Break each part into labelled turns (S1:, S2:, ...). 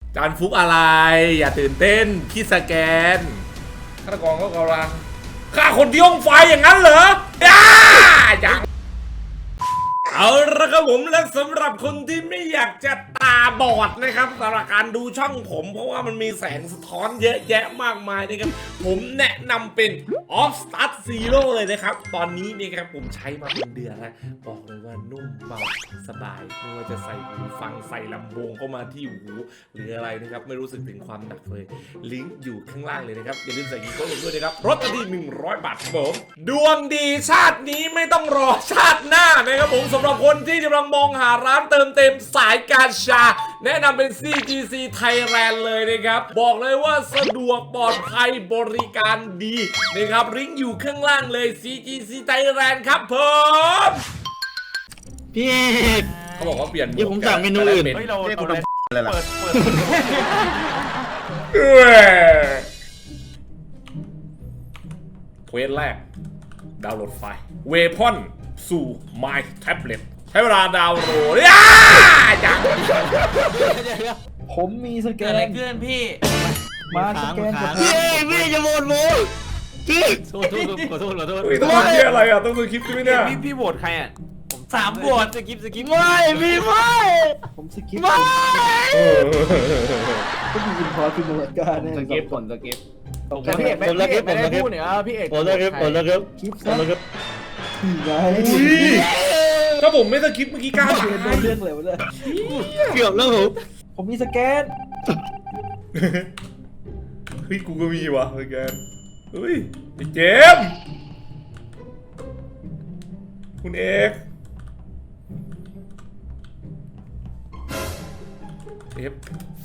S1: จานฟุกอะไรอย่าตื่นเต้นพี่สแกนฆาตกรก็กำลังฆ่าคนที่ห้องไฟอย่างนั้นเหรออย่างเอาละครับผมและสำหรับคนที่ไม่อยากจะตาบอดนะครับสำหรับการดูช่องผมเพราะว่ามันมีแสงสะท้อนเยอะแยะมากมายนะครับผมแนะนำเป็น Off Start Zero เลยนะครับตอนนี้นี่ครับผมใช้มาเป็นเดือนแล้วบอกเลยว่านุ่มเบาสบายไม่ว่าจะใส่หูฟังใส่ลำโพงเข้ามาที่หูหรืออะไรนะครับไม่รู้สึกถึงความหนักเลยลิงก์อยู่ข้างล่างเลยนะครับอย่าลืมใส่กีโก้ลงด้วยนะครับลดกันที่100 บาทครับผมดวงดีชาตินี้ไม่ต้องรอชาติหน้านะครับผมสำหรับคนที่กำลังมองหาร้านเติมเต็มสายการชาแนะนำเป็น CGC Thailand เลยนะครับบอกเลยว่าสะดวกปลอดภัยบริการดีนะครับลิงก์อยู่ข้างล่างเลย CGC Thailand ครับผม
S2: พี่เอก
S1: เขาบอกว่าเปลี่ยนหมวก
S2: เดี๋ยวผมสั่งเมนูอื่น
S3: เฮ้ยเรา
S4: เรียก
S3: เอา
S4: คุณ
S3: อะไร
S4: อะไรล่ะ
S3: เปิด
S1: เควสแรกดาวน์โหลดไฟล์เวพอนสู่ My Tablet ใช้เวลาดาวน์โหลดจัง
S5: ผมมีสแก
S3: เกิดอะไร
S5: น
S3: ขึ้นพี่
S5: มาสแกนกับ
S2: พี่เอกพี่จะโหวตผมพี่
S3: ขอโทษขอโทษขอโทษ
S1: เฮ้ยต้องดูที่อะไรอ่ะต้องดูคลิปใช่ไหมเนี่ย
S3: พี่โหวตใครอ่ะผม3โหวตสกิป
S2: ไม่พี่ไม่
S5: ผมสกิป
S2: ไม่
S5: ก็มีอินพอร์ตคือมูลค่าเนี่ย
S4: สกิปผลสกิป
S5: แต่พี่เอกไม่ได้พูดเนี่ยพี่เอก
S2: ผมแล้วครับผมแล้วครับ
S5: คลิป
S2: ผ
S5: ซะ
S2: มแล้วครับ
S5: นี่ไง
S1: ถ้าผมไม่สคริปต์เมื่อกี้กล้า
S5: เรียนโดนเรื่องเลยวะเนี่ย
S2: เกือบแล้วผม
S5: ผมมีสแกน
S1: เฮ้ยกูก็มีวะสแกนเฮ้ยไอ้เจมส์คุณเอกเอฟ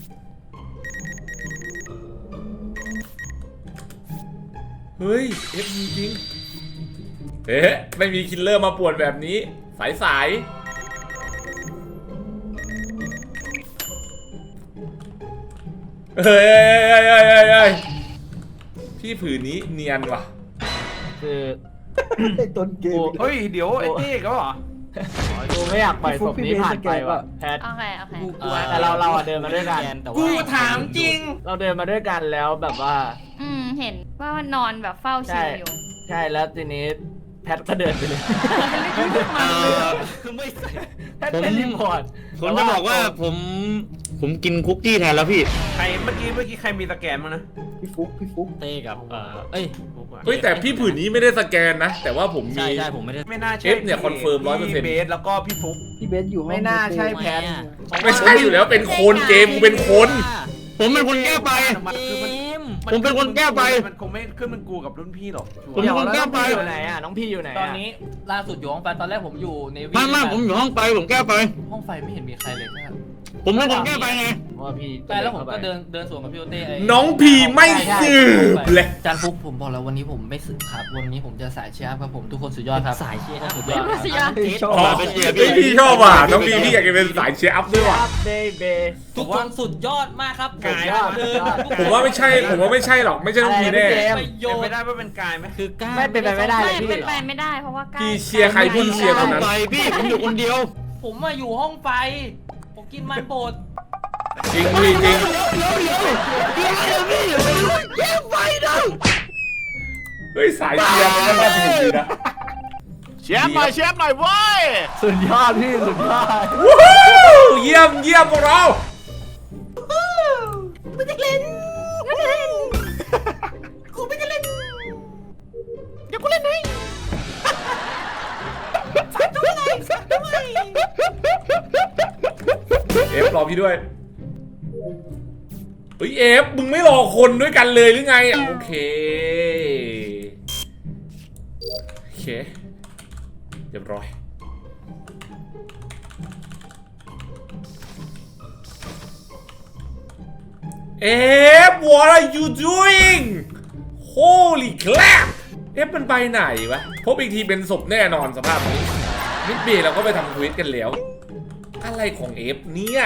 S1: เฮ้ยเอฟจริงๆไม่มีคิลเลอร์มาป่วนแบบนี้สายเฮ้ยพี่ผืนนี้เนียนว่ะ
S2: คือ
S5: ไอ้ต้นเกม
S3: เฮ้ยเดี๋ยวไอ้นี่ก็เหรอ
S2: กูไม่อยากปล่อยศพนี้ผ่านไปว่ะแพท
S6: โอเคโอเค
S2: แต่เราเดินมาด้วยกัน
S3: กูถามจริง
S2: เราเดินมาด้วยกันแล้วแบบว่า
S6: เห็นว่านอนแบบเฝ้าชิวอยู่
S2: ใช่แล้วทีนี้แพทก็เดินไปเลยไม่ใส่แพทเป็นรีพอร์ตผมจะบอกว่าผมกินคุกกี้แทนแล้วพี่
S3: ใครเมื่อกี้ใครมีสแกนมั้งนะ
S5: พี่ฟุก
S7: เต้กับ
S1: เฮ้ยแต่พี่ผืนนี้ไม่ได้สแกนนะแต่ว่าผมมี
S7: ใช่ผมไม่ได้
S3: ไม่น่าใช่
S1: เอฟเนี่ยคอนเฟิร์ม100%
S3: พี่เบสแล้วก็พี่ฟุ๊ก
S5: พี่เบสอยู่ห้อง
S2: ไม่น่าใช่แพท
S1: ไม่ใช่อยู่แล้วเป็นคนเกมกูเป็นคน
S2: ผมเป็นคนแก้ไป ผมเป็นคนแก้ไป
S3: มันคงไม่ขึ้นเป็นกูกับรุ่นพี่หรอก
S2: ผมเป็นคนแก้ไปอยู่ไหนอ่ะน้องพี่อยู่ไหน
S7: ตอนนี้ล่าสุดอยู่ห้องไฟตอนแรกผมอยู่ใน
S2: ไม่ผมอยู่ห้องไปผมแก้ไป
S7: ห้องไฟไม่เห็นมีใครเลยนะ
S2: ผมเป็นคนแก้ไปไงว่าพี่
S7: แต่แล้วผมก็เดินสวนกับพี่โอเต้
S1: น้องพีไม่สืบเลย
S7: จานฟุกผมบอกแล้ววันนี้ผมไม่สืบครับวันนี้ผมจะสายเชียร์ครับผมทุกคนสุดยอดครับสายเชียร์สุดยอด
S5: ชอบ
S1: อ๋อพี่ชอบว่ะน้องพีพี่อยากจะเป็นสายเชียร์อัพด้วยว่ะ
S2: เบเบ
S7: ทุกคนสุดยอดมากครับ
S1: ผมว่าไม่ใช่หรอกไม่ใช่น้องพีแน่
S7: ประโย
S3: เป็น
S7: ช
S3: ไป
S7: น์
S3: ได้ว่าเป็นกายไหม
S7: คือกล้า
S2: ไม่เป็นไปไม่ได้
S6: ไม่เป็นไปไม่ได้เพราะว่าใกล้
S1: พี่เชียร์ใครพี่เชียร์คนนั้น
S2: ไปพี่ผมอยู่คนเดียว
S7: ผมมาอยู่ห้องไฟผมกินมันบด
S1: จริงพี่จริงเฮ้ยสายเชียร์มันก็น่าสนุกดีนะ
S4: เชฟหน่อยเว้ย
S5: สุดยอดพี่สุดยอด
S1: วู้ฮู้เยี่ยมพวกเราเอฟรอพี่ด้วยเฮ้ยเอฟมึงไม่รอคนด้วยกันเลยหรือไงโอเคเรียบร้อยเอฟ what are you doing holy crap เอฟมันไปไหนวะพบอีกทีเป็นศพแน่นอนสภาพนี้มิดเบย์เราก็ไปทำทวิตกันแล้วอะไรของเอฟเนี่ย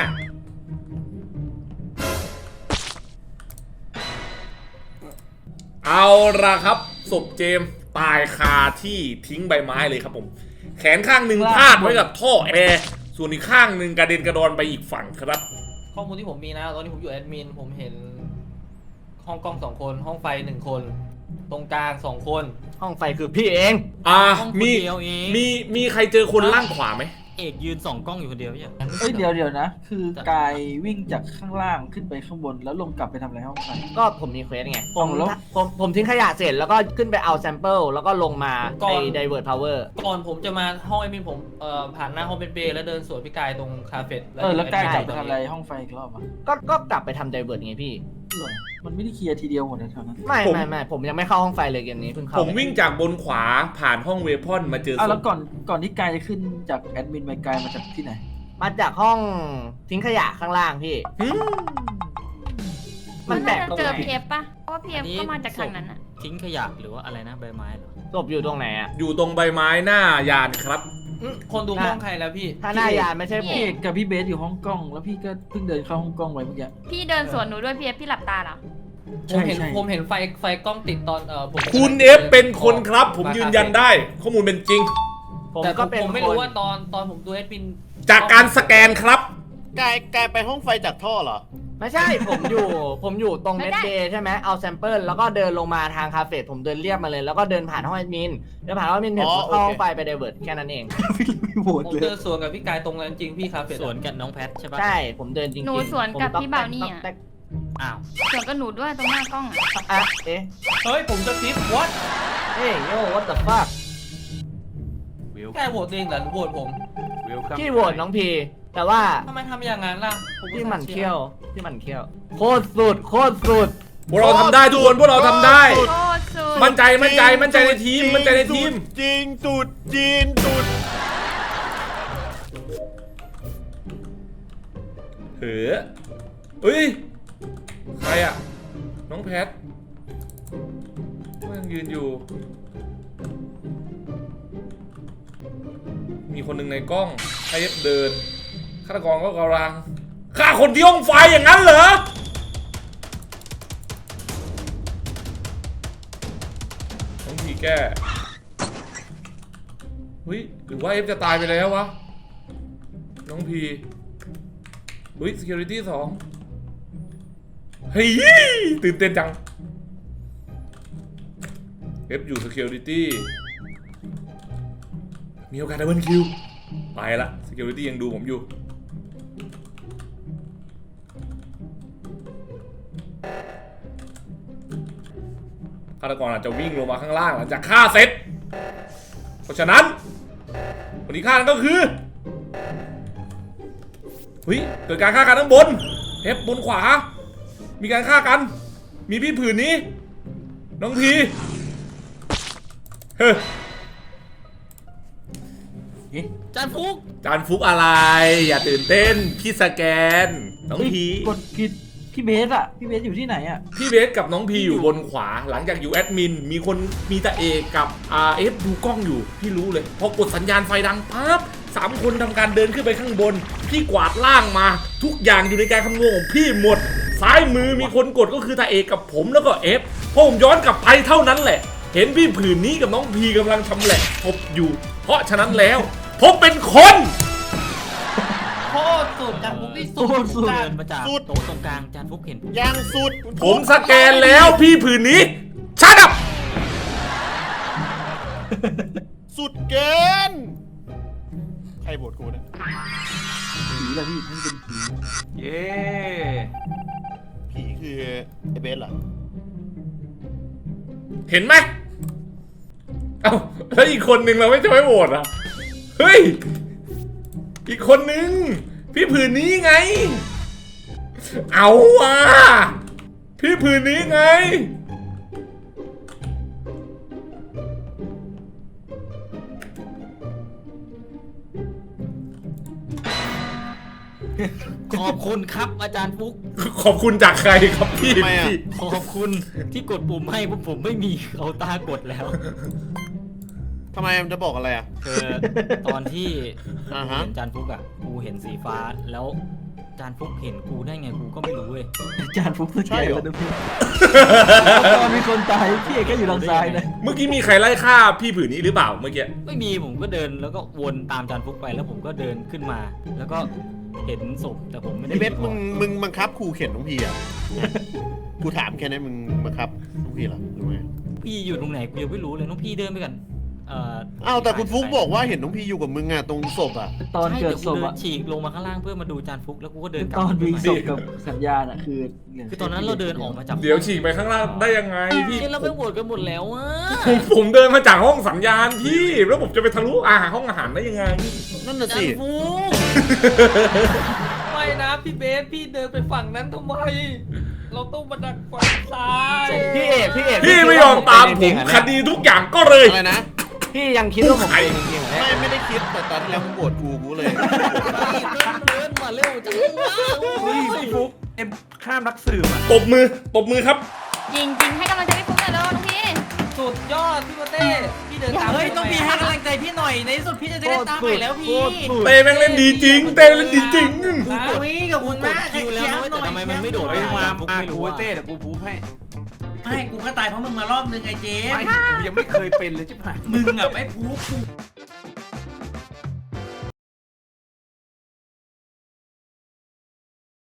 S1: เอาละครับศพเจมส์ตายคาที่ทิ้งใบไม้เลยครับผมแขนข้างหนึ่งพาดไว้กับท่อแอร์ส่วนอีกข้างหนึ่งกระเด็นกระดอนไปอีกฝั่งครับ
S5: ข
S7: ข้อมูลที่ผมมีนะตอนนี้ผมอยู่แอดมินผมเห็นห้องกล้อง2 คนห้องไฟ1 คน ตรงกลาง2 คน
S4: ห้องไฟคือพี่เอง
S2: ห้องคน
S1: มี
S2: เดียวเอง
S1: มีใครเจอคนล่างขวาไหม
S2: เอกยืน2 กล้องอยู่คนเดียวเนี่ย
S5: เอ้ยเดี๋ยวนะ คือกายวิ่งจากข้างล่างขึ้นไปข้างบนแล้วลงกลับไปทำอะไรห้องไฟ
S4: ก็ผมมีเควสไงผม
S5: แล้ว
S4: ผมทิ้งขยะเสร็จแล้วก็ขึ้นไปเอาแซมเปิลแล้วก็ลงมาใน divert power
S7: ก่อนผมจะมาห้องแอดมินผมผ่านหน้าห้องเป็นเบย์แล้วเดินสวนพี่กายตรงคาเฟ่
S5: แล้วกายกลับไป
S7: ตรง
S5: ทำอะไรห้องไฟอีกรอบอ่ะ
S4: ก็กลับไปทำ divert ไงพี่
S5: เหรอมันไม่ได้เคลียร์ทีเดียวหมดนะแถวนั้น
S4: ไม่ผมยังไม่เข้าห้องไฟเลยเกมนี้เพิ่งเข้า
S1: ผมวิ่งจากบนขวาผ่านห้องเวพอนมาเจอศ
S5: อ้าวแล้ว
S1: พ
S5: ก่อนที่กายจะขึ้นจากแอดมินไปกายมาจากที่ไหน
S4: มาจากห้องทิ้งขยะข้างล่างพี่ มันแปล
S6: น่าก จะ
S4: ตรง
S6: เจอ
S4: ไหน
S6: เพียบปะเพราะว่าเพียบก็มาจากทางนั้นอะ
S2: ทิ้งขยะหรือว่าอะไรนะใบไม้เหรอ
S4: ศพอยู่ตรงไหนอ่ะ
S1: อยู่ตรงใบไม้หน้ายานครับ
S7: คนดูห้องใครแล้วพี่
S4: ถ้าหน้ายานไม่ใช่ผ
S5: พี่
S4: ม
S5: เอกกับพี่เบสอยู่ห้องกล้อง แล้วพี่ก็เพิ่งเดินเข้าห้องกล้องไปเมื่อกี้
S6: พี่เดินสวนหนูด้วยเพียบพี่หลับตาเหรอ
S7: ผมเห็นไฟกล้องติดตอนผม
S1: คุณเอฟเป็นคนครับ ผมยืนยันได้ ข้อมูลเป็นจริง
S4: ผม
S7: แต่
S4: ก็เป็น
S7: ผมไม่
S4: ค
S7: รู้
S4: น
S7: ว่าตอนผมดูแอดมิน
S1: จากการสแกนครับ
S8: กายไปห้องไฟจากท่อเหรอ
S4: ไม่ใช่ ผมอยู่ตรงเน็ตเดย์ใช่ไหมเอาแซมเปิลแล้วก็เดินลงมาทางคาเฟ่ผมเดินเรียบมาเลยแล้วก็เดินผ่านห้องแอดมินเดินผ่านห้องแอดมินเสร็จ
S8: อ๋อ
S4: เข้าห้อง
S8: โอเค
S4: ไฟไปเดเวิร์ดแค่นั้นเอง
S5: ไม่โหวต
S7: ผม
S5: เลย
S7: เดินสวนกับพี่กายตรงนั้นจริงพี่คาเฟ่
S2: สวนกับน้องแพทใช่ปะ
S4: ใช่ผมเดินจริงๆ
S6: หนูสวนกับ
S4: ผมต๊อ
S6: พี่เบานี่อะ
S4: ต๊อก
S2: อ้าว
S6: สวนกับหนูด้วยตรงหน้ากล้องอะ
S4: อ่ะเอ๊ะ
S7: เฮ้ยผมจะคิด what
S4: เฮ้ยโย่ what the fuck
S7: แค่โหวตเองเหรอหรือโหวตผม
S4: พี่โหวตน้องพีแต่ว่า
S7: ทำไมทำอย่างนั้นล่ะผม
S4: พี่หมันเขี้ยวโคตรสุด
S1: พวกเราทำได้ทุกคนพวกเราทำได้
S6: โคตรสุด
S1: มั่นใจในทีมมั่นใจในทีม
S8: จริงสุดจีนสุด
S1: เฮ้ยใครอะน้องแพทมันยืนอยู่ มีคนหนึ่งในกล้องใครเดินฆาตกรก็กำลังฆ่าคนที่ห้องไฟอย่างนั้นเหรอต้องทีแก้เฮ้ยหรือว่าเอฟจะตายไปแล้ววะน้องพีเฮ้ย security 2เฮ้ยตื่นเต้นจังเอฟอยู่ security มีโอกาสดับเบิลคิวไปละ security ยังดูผมอยู่ฆาตกรอาจจะวิ่งลงมาข้างล่างหลังจากฆ่าเสร็จ เพราะฉะนั้นคนที่ฆ่านั่นก็คือเฮ้ยเกิดการฆ่ากันข้างบนเทปบนขวา มีการฆ่ากัน มีพี่ผืนนี้ น้องพีเฮ้ย
S2: จานฟุก
S1: จานฟุกอะไร อย่าตื่นเต้น พี่สแกน น้องพี
S5: กดผิดพี่เบสอ่ะ พี่เบสอยู่ที่ไหนอ่ะ
S1: พี่เบสกับน้องพีอยู่บนขวา หลังจากอยู่แอดมิน มีตาเอกกับเอฟดูกล้องอยู่ พี่รู้เลย พอกดสัญญาณไฟดังปั๊บ3 คนทำการเดินขึ้นไปข้างบน พี่กวาดล่างมา ทุกอย่างอยู่ในการคำนวณของพี่หมด ซ้ายมือมีคนกดก็คือตาเอกกับผมแล้วก็เอฟพอผมย้อนกลับไปเท่านั้นแหละ เห็นพี่ผืนนี้กับน้องพีกำลังชำแหละพบอยู่ เพราะฉะนั้นแล้วผมเป็นคน
S7: โคตรสุดจานฟุกที่สุ
S5: โค
S7: ด
S5: ตรสุด
S2: เดินมาจากโต๊ะตรงกลางจานฟุกเห็น
S8: ยังสุด
S1: ผมสแกนแล้วพี่ผืนนี้ชัดอับ
S8: สุดเกิน ใครโหวตกูนะ
S5: ผีละพี่นี่เป็นผี
S3: เย้
S8: ผีคือไอเบสเหรอ
S1: เห็นไหมเอ้าแล้วอีกคนนึงเราไม่จะไม่โหวตอ่ะ เฮ้ย อีกคนนึง พี่ผืนนี้ไง เอาว่ะพี่ผืนนี้ไง
S2: ขอบคุณครับอาจารย์ฟุก
S1: ขอบคุณจากใครครับพี่
S8: ทำไมอะ
S1: พี่
S2: ขอบคุณที่กดปุ่มให้พวกผมไม่มีเอาตากดแล้ว
S8: ทำไมมันจะบอกอะไรอ่ะ
S2: คือตอนที่
S8: อ่าฮะ
S2: เห็นจานฟุกอ่ะกูเห็นสีฟ้าแล้วจานฟุกเห็นกูได้ไงกูก็ไม่รู้เว้ย
S5: อาจารย์ฟุกสแก
S8: ใช่
S5: น
S8: เหรอ
S5: แล้วนะพี่ตอนมีคนตายพี่เอกก็อยู่ทางซ้ายนะ
S1: เมื่อกี้มีใครไล่ฆ่าพี่ผืนนี้หรือเปล่าเมื่อกี้
S2: ไม่มีผมก็เดินแล้วก็วนตามจานฟุกไปแล้วผมก็เดินขึ้นมา แล้วก็
S7: เห็นศพแต่ผมไม่ได้
S8: ไอ้เบสมึงบังคับครูเข็นน้องพีอ่ะกูถามแค่นี้มึงบังคับน้องพีเหรอหรือไง
S7: พี่อยู่ตรงไหนกูยังไม่รู้เลยน้องพี่เดินไปกัน
S8: อ้าวแต่คุณฟุกบอกว่าเห็นน้องพีอยู่กับมึงอ่ะตรงศพอ่ะ
S5: ตอนเกิดศพ
S7: ใช่
S5: อะ
S7: เดี๋ยวกูเดินฉีกลงมาข้างล่างเพื่อมาดูจานฟุกแล้วกูก็เดินกลั
S5: ต
S7: บ
S5: อนมีศพกับสัญญาณอะคือ
S7: คือตอนนั้นเราเดินออกมาจาก
S1: เดี๋ยวฉีกไปข้างล่างได้ยังไงพี่
S7: เฮ้ยเราไปโหวตกันหมดแล้วอ่ะ
S1: ผมเดินมาจากห้องสัญญาณพี่แล้วผมจะไปทะลุห้องอาหารได้ยังไง
S8: นั่นน่ะ
S7: จา
S8: สิ
S7: นฟุกไม่นะพี่เบสพี่เดินไปฝั่งนั้นทำไมเราต้องมาดักฝั่งซ้าย
S4: พี่เอก
S1: พี่ไม่ยอมตามผมคดีทุกอย่างก็เลย
S8: อะไรนะ
S4: พี่ยังคิดว่าผมเป็นจริงๆเหรอเนี่ย
S8: ไม่ได้คิดแต่ตอนที่แล้วมึงโกรธกูเลย
S7: เดินมาเร็วจังวะ
S3: เฮ้ยพี่ฟุกเอ็มข้ามนักสืบอ่ะ
S1: ตบมือครับ
S6: จริงให้กำลังใจพี่ฟุ๊กหน่อยเร็วน้องพี่
S7: สุดยอดพี่โมเต้พี่เดินตามเฮ้ยต้องมีให้กำลังใจพี่หน่อยในที่สุดพี่จะได้ตามไปแล้วพี่
S1: เต้แม่งเล่นดีจริง เต้เล่นดีจริง
S7: วิ่งกับคุณมากคิวแล้วนะแต่ทำไมมันไม่โดด
S3: เฮ้ยมา
S7: ฟุก
S3: มา
S7: ไม่
S3: กู
S7: รู้
S3: เต้เดี๋ยวกูพูให้
S9: ไม่กูก็ตายเพราะมึงมารอบนึงไงเจม
S3: ไม่
S9: ส์
S3: กูยังไม่เคยเป็นเลยใช่ไหม
S9: มึงอะไม่พูกู